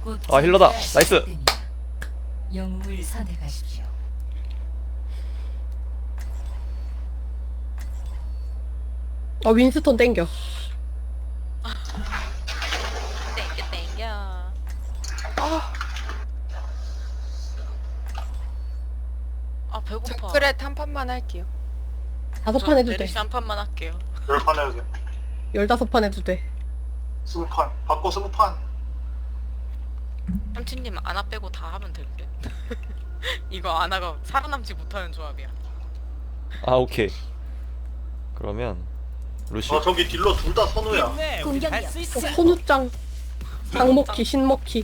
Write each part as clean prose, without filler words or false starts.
아 힐러다. 나이스. 영웅을 선택하십시오. 윈스턴 땡겨. 땡겨. 아 배고파. 정글에 한 판만 할게요. 5판 해도 돼. 메르시 한 판만 할게요. 10판 해야 돼. 15판 해도 돼. 20판. 바꿔 20판. 삼촌님 아나 빼고 다 하면 될 듯. 이거 아나가 살아남지 못하는 조합이야. 아 오케이. 그러면 루시. 아 저기 딜러 둘 다 선우야. 선우짱. 장먹기, 신먹기.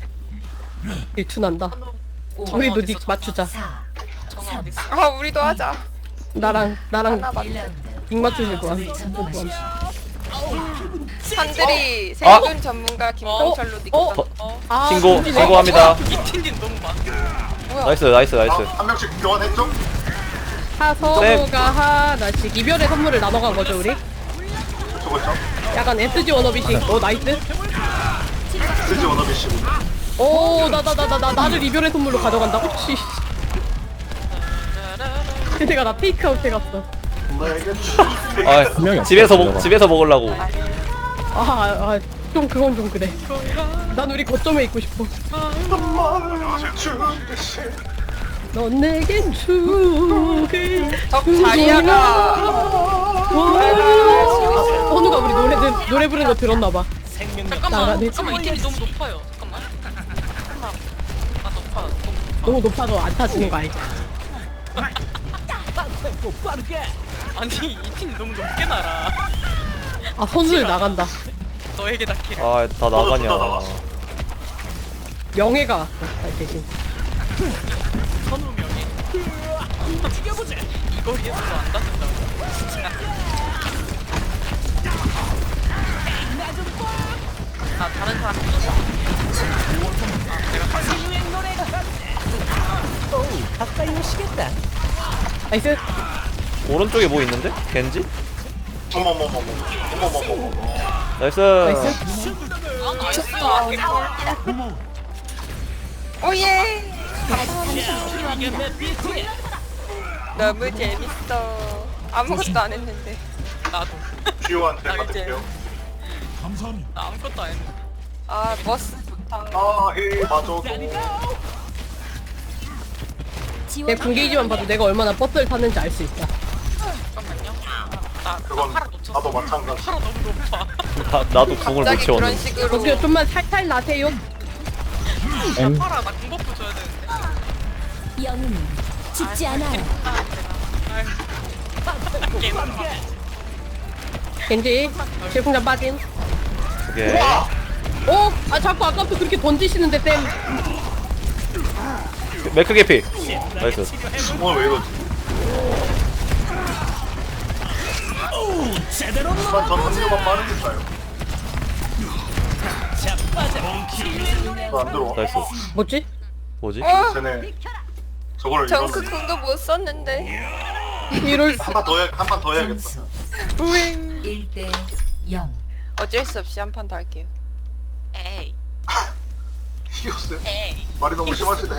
일투난다. 우리도 닉 맞추자. 4, 정아 어디 있어? 아 우리도 하자. 나랑 하나 맞. 1라운드. 닉 맞추실 거야. 산들이 생존 전문가 김동철로 어? 니까. 아, 신고 선진이. 신고합니다. 이팀님 너무 많아. 뭐야? 나이스 나이스 나이스. 한 명씩 교환했죠? 서로가 하나씩 이별의 선물을 나눠 간 거죠, 우리? 저거 있죠? 약간 SG 워너비식. 나이스. 스지 워너비 씨. 나를 이별의 선물로 가져간다고? 씨. 내가 나 테이크아웃 해갔어. 아 집에서 먹으려고. 좀 그건 좀 그래. 난 우리 거점에 있고 싶어. 넌 내겐 죽을 적 자리야가 선우가 우리 노래 부르는 거 들었나봐. 잠깐만. 나가네. 잠깐만 이 팀이 너무 높아요. 잠깐만. 아 높아. 너무 높아서 안 타지는 거 알지? 아니 이 팀이 너무 높게 날아. 선수를 나간다. 너에게 닿기를. 아 다 나가냐. 명예가 왔어. 대신. 선우명이. 죽여보자. 이 거리에서도 안 닿는다고. 진짜. 아 다른 사람 해줬어. 내가 갔어. 나이스. 오른쪽에 뭐 있는데? 겐지? 어머머머머. 나이스. 나이스. 아 나이스. 오예. 너무 재밌어. 아무것도 안 했는데. 나도. 듀오한테 아, 이제. 받을게요. 나 아무것도 안 했는데. 아 버스 좋다. 아히 맞아도. 내 군게이지만 봐도 내가 얼마나 버스를 탔는지 알 수 있다. 잠깐만요. 나 그건 팔아 놓쳤어. 나도 마찬가지. 팔아 너무 높아. 나도 궁을 못 갑자기 그런 채웠네. 식으로. 어떻게 좀만 살살 나세요. 나 팔아 나 공버프 줘야 되는데. 영웅은 죽지 않아요. 겐지 질풍장 빠진. 오케이. 자꾸 아까부터 그렇게 던지시는데 쌤. 맥크 개피. 나이스. 오늘 왜 이러지? 전 한류만 빠르니까요. 안 들어와. 나이스. 뭐지? 뭐지? 쟤네 저거를 정크 궁도 못 썼는데. 이럴 수. 한판 더 해야겠다. 점수 우잉. 1대 0. 어쩔 수 없이 한 판 더 할게요. 에이. 이겼어요. 에이. 말이 너무 심하시네.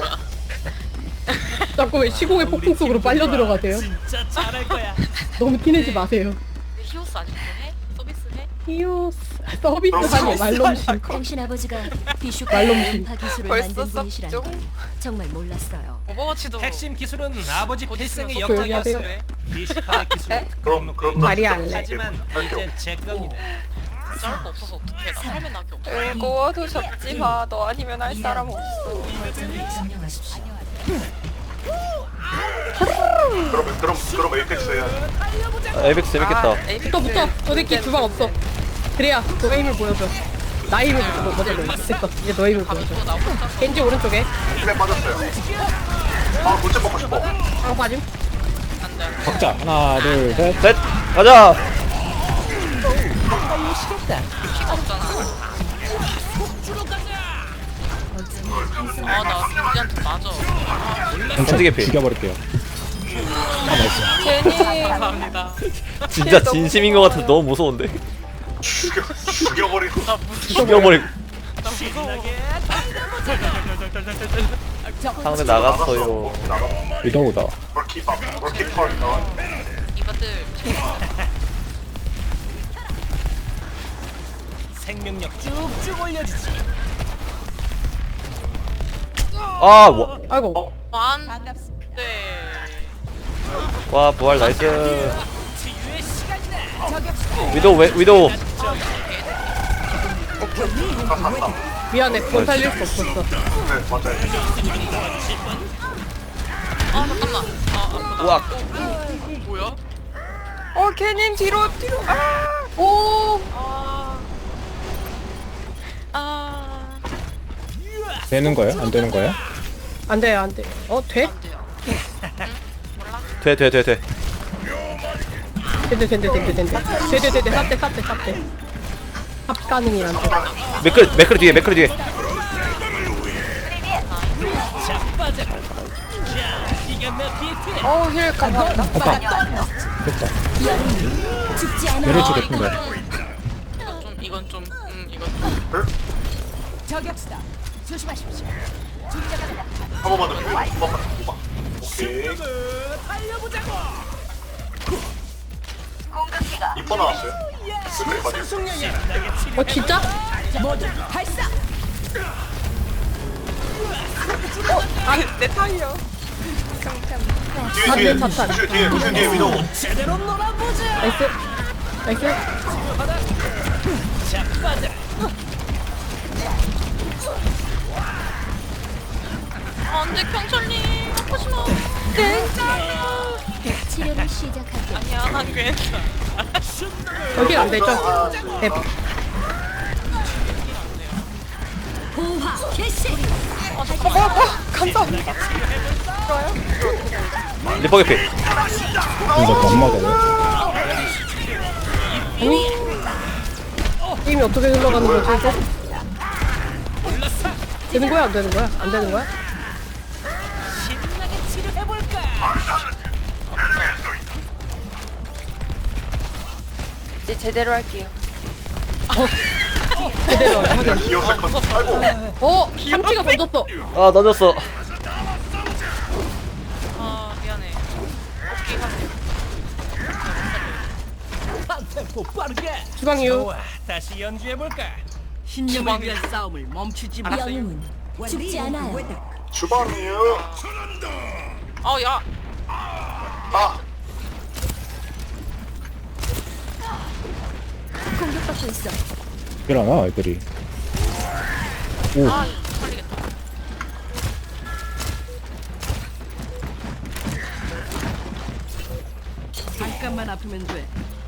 자꾸 왜 시공의 폭풍 속으로 빨려 들어가세요? 너무 티내지 마세요. 히오스 아직도 해? 서비스 해? 히오스 서비스하니 말놈신. 당신 아버지가 비슈가 말놈신. 음파 기술을 벌써 만든 분이시라는 썩죠? 걸 정말 몰랐어요. 오버워치도 핵심 기술은 아버지 곧 필승의 있으면 조용히 역작이었어. 하세요. 미식가의 기술. 그럼 말이 안 돼. 하지만 이제 제 겁니다. 짤거 없어서 어떡해. 나 삶의 낙이 없어. 즐거워도 접지 마. 너 아니면 할 사람 없어. 거점을 점령하십시오. 그럼 에이펙스 해야. 에이펙스 재밌겠다. 붙어. 저 새끼 주방 없어. 그래야 너의 힘을 보여줘. 나의 힘을 보여줘. 됐어. 이제 너의 힘을 보여줘. 또 나오고 혼자서 겐지 오른쪽에. 힘에 빠졌어요. 물집 먹고 싶어. 방 빠짐. 안 돼. 각자 하나 둘셋 셋 가자. 피가 없잖아. 아나 빈지한테 맞아. 겐지 개피. 죽여버릴게요. 괜히 감사합니다. 진짜 진심인 것 같아서 너무 무서운데. 죽여버리고. 나 무서워. 죽여버리고. 나 무서워. 상대 나갔어요. 위도우다. 골키퍼 골키퍼 나와. 이것들 생명력 쭉쭉 올려주지. 아, 와, 아이고. 완. 네. 와 부활 나이스. 치유의 시간이다. 위도우. 미안해. 그건 살릴 수 없었어. 네 맞아요. 아 잠깐만. 우와. 뭐야? 걔님 뒤로. 오. 되는 거야? 안 되는 거야? 안 돼, 안 돼. 돼? 안 돼요. 돼. 된대. 삽대. 합 가능이란데. 맥크리 뒤에. 자빠져. 자, 이겼나 비트. 힐 감사합니다. 됐다. 죽지 않아. 내려치 같은데. 이건 좀. 저격수다. 조심하십시오. 한 번만 더. 한 번만 더. 오케이. 달려보자고. 이뻐 나왔어요. 끝까지 맞아요. 신나게 치료. 진짜? 발사. 내 타이어. 뒤에 자탄. 루시오 뒤에 위도우. 제대로 놀아보자. 나이스. 자빠져. 안돼 경찰님 아프시나? 치료를 시작할게요. 아니야 난 괜찮아. 여기 안 되죠? 대박. 보화 개시. 감사합니다. 리퍼 개피. 진짜 못 맞아요? 게임이 어떻게 흘러가는 거지 이제? 되는 거야 안 되는 거야? 안 되는 거야? 신나게 치료해볼까. 이제 제대로 할게요. 제대로 하게. 기어 세컨드. 아이고. 삼치가 던졌어. 아 던졌어. 아 미안해. 오케이 하세요. 템포 빠르게. 주방이요. 좋아, 다시 연주해볼까. 신념을 위한 싸움을 멈추지 영웅은 죽지 않아요. 주방이요. 야. 아. 공격받고 있어. 일어나 애들이. 오. 살리겠다. 잠깐만 아프면 돼.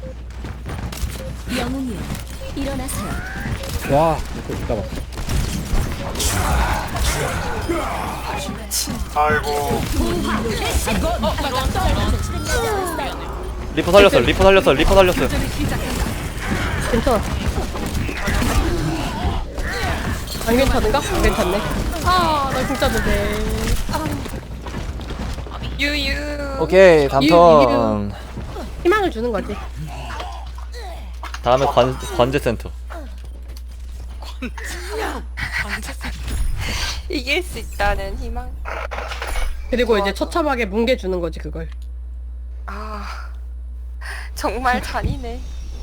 영웅이요. 일어나세요. 와. 이거 이따 봐. 아이고. 리퍼 살렸어요. 괜찮아. 안 괜찮은가? 괜찮네. 나 진짜 못해. 유유. 오케이 다음 턴. 희망을 주는 거지. 다음에 관제센터. 이길 수 있다는 희망. 그리고 이제 처참하게 뭉개 주는 거지 그걸. 정말 잔인해.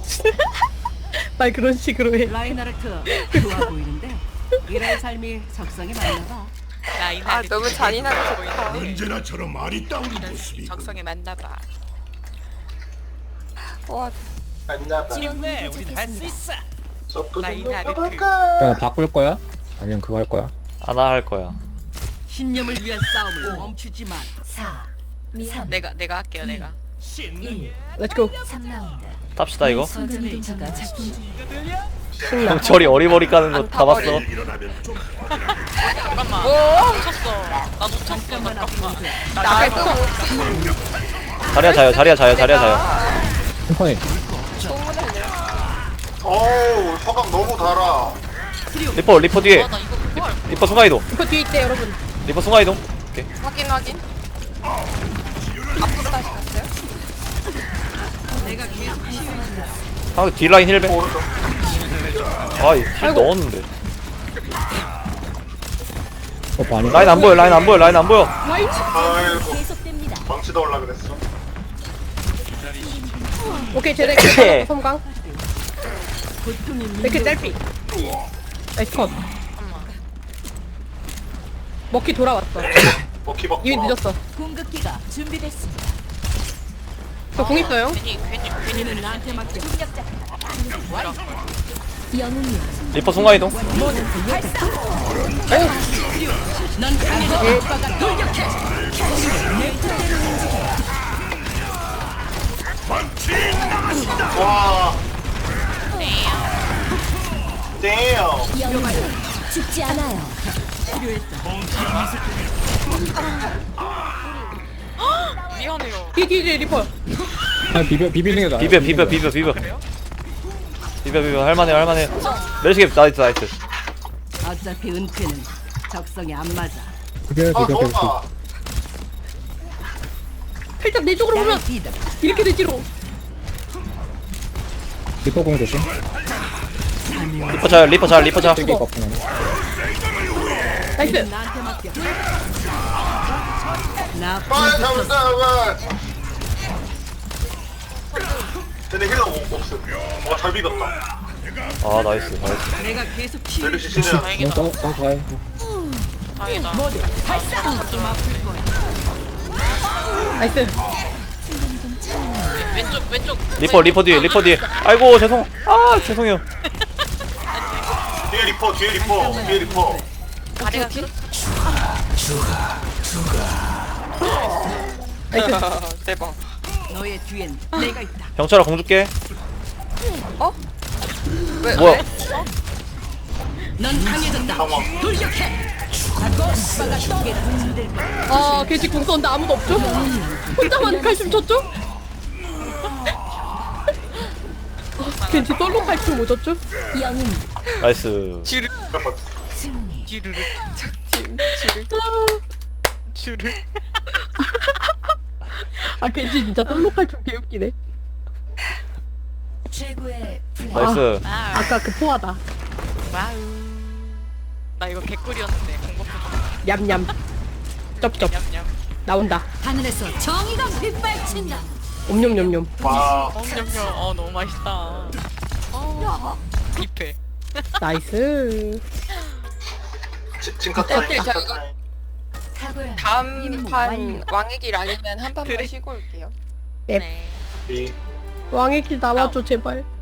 말 그런 식으로 해. 라인하르트 좋아 보이는데 이런 삶이 적성에 맞나봐. 라인하르트. 너무 잔인하게 좋다. 언제나처럼 말이 따오는 모습이. 적성에 맞나봐. 와, 힘내, 우린 할 수 있어. 라인하르트. 그냥 바꿀 거야? 아니면 그거 할 거야? 하나 할 거야. 신념을 위한 싸움을 멈추지 마. 4, 3, 내가 할게요 내가. 신나게. 렛츠고. 3라운드. 탑시다 이거. 순간이동자가 작동 중. 신나. 형철이 어리버리 까는 거 다 봤어. 잠깐만. 놓쳤어. 나 놓쳤어. 잠깐만. 나도 자리야 자요. 템퍼니. 어우 서강 너무 달아. 리퍼 뒤에. 나 이거 그거 리퍼 순간이동. 이거 뒤에 있대 여러분. 리퍼 순간이동. 오케이. 확인. 앞으로 다시 갔어요? 아 뒷라인 힐백. 아이 힐 넣었는데. 반이. 라인 안 보여 라인 안 보여 라인 안 보여. 라인 아이고 계속됩니다. 망치 넣으려 그랬어. 오케이 쟤네 섬광 고통이 이렇게 짤피 나이스 컷 먹기 돌아왔어 먹기 먹고. 이미 늦었어 공격기가 준비됐습니다. 저 공 있어요 괜히 는 나한테 맡겨. 영웅이여. 리퍼 순간 이동. 넌 강해져. 오빠가 돌격해. 와. damn. 영웅이여. 죽지 않아요. 미안해요. 뒤뒤뒤 리퍼 아 비비는 게 나아. 비벼 할만해 할만해. 멜시게 나이스 나이스. 어차피 은퇴는 적성에 안 맞아. 비벼. 좋다. 살짝 내 쪽으로 오면 디다. 이렇게 되지로 리퍼 공 조심. 리퍼 자. 세개 거푸네. 나이스 나한테 맡겨. 나 빨리 잡았다. 쟤네 힐러 없음. 잘 비볐다. 아 나이스. 내가 계속 치유. 메르시 시즌. 다행이다. 가요. 다행이다. 좀 아플 거야. 나이스 왼쪽. 리퍼 뒤에. 아이고 죄송해요. 뒤에 리퍼. 다리가 길. 대박. 너의 뒤엔 내가 있다. 병철아 공 줄게. 왜? 뭐야? 넌 강해졌다. 상황. 돌격해. 오빠가 떡에 흔들 거야. 아 개지 궁 쏘는데 아무도 없죠? 혼자만 칼춤 쳤죠? 겐지 솔로 칼춤 못 쳤죠? 영웅 나이스. 승리. 지르르. 팀 지르. 아 겐지 진짜 솔로 칼춤 개웃기네 최고의 플레이. 나이스. 아까 그 포화다 와우. 나 이거 개꿀이었는데 공법 얌얌 쩝쩝 냠냠. 나온다 하늘에서 정의가 빗발친다. 옴뇸뇸뇸 와. 냠냠. 너무 맛있다. 입회. 나이스 징카 타임. 오케이, 징카 자, 타임. 탁월한 다음 임무 판 완료. 왕의 길 아니면 한 판만 그래. 쉬고 올게요. 넵 네. 이 왕의 길 나와줘 제발